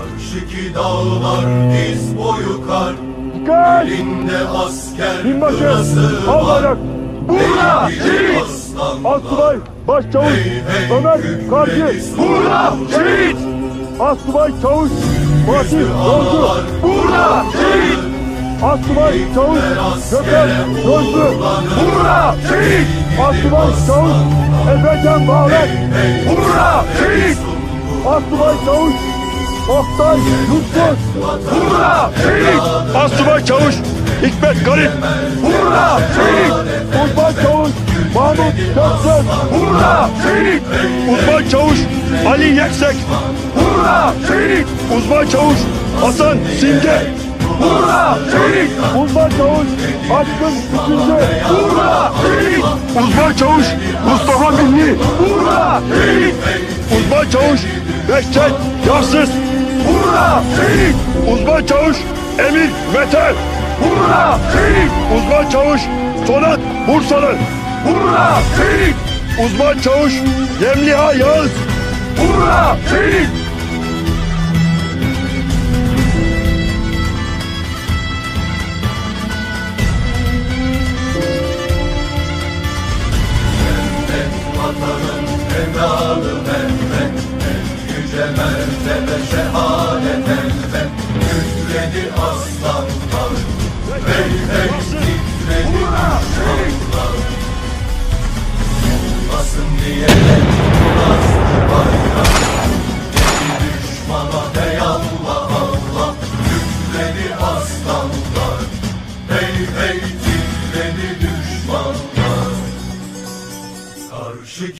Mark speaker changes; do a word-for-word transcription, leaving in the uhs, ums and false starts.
Speaker 1: Karşıki dağlar diz boyu kar.
Speaker 2: Dikkat!
Speaker 1: Elinde asker
Speaker 2: Binbaşı!
Speaker 1: kırası
Speaker 2: Al
Speaker 1: var.
Speaker 2: bayrak! Burada!
Speaker 1: Şehit!
Speaker 2: Asubay! Başçavuş! Ömer Karcı!
Speaker 1: Burada!
Speaker 2: Şehit! Asubay Çavuş! Fatih Yolcu!
Speaker 1: Burada! Şehit!
Speaker 2: Asubay Çavuş! Gökhan Yolcu!
Speaker 1: Burada! Şehit!
Speaker 2: Asubay Çavuş! Efecan Bağlar!
Speaker 1: Burada! Şehit!
Speaker 2: Asubay Çavuş! Oktay Yusuf!
Speaker 1: Burada! Şehit!
Speaker 2: Asubay Çavuş! Hikmet Garip!
Speaker 1: Burada! Şehit!
Speaker 2: Uzman Çavuş! Mahmut Köksöz!
Speaker 1: Burada! Şehit!
Speaker 2: Uzman Çavuş! Ali Yeksek!
Speaker 1: Burada! Şehit!
Speaker 2: Uzman Çavuş! Hasan Simge!
Speaker 1: Burada! Şehit!
Speaker 2: Uzman Çavuş! Aşkın Üçüncü!
Speaker 1: Burada! Şehit!
Speaker 2: Uzman Çavuş! Mustafa Milli!
Speaker 1: Burada! Şehit!
Speaker 2: Uzman Çavuş! Behçet Yarsız!
Speaker 1: Burada! Şehit!
Speaker 2: Uzman Çavuş! Emir Mete!
Speaker 1: Burada! Şehit!
Speaker 2: Uzman Çavuş! Sonat Bursalı!
Speaker 1: Burada! Şehit!
Speaker 2: Uzman Çavuş! Yemliha Yağız!
Speaker 1: Burada! Şehit! Vatanın evladı Mehmet, en yüce Mehmet.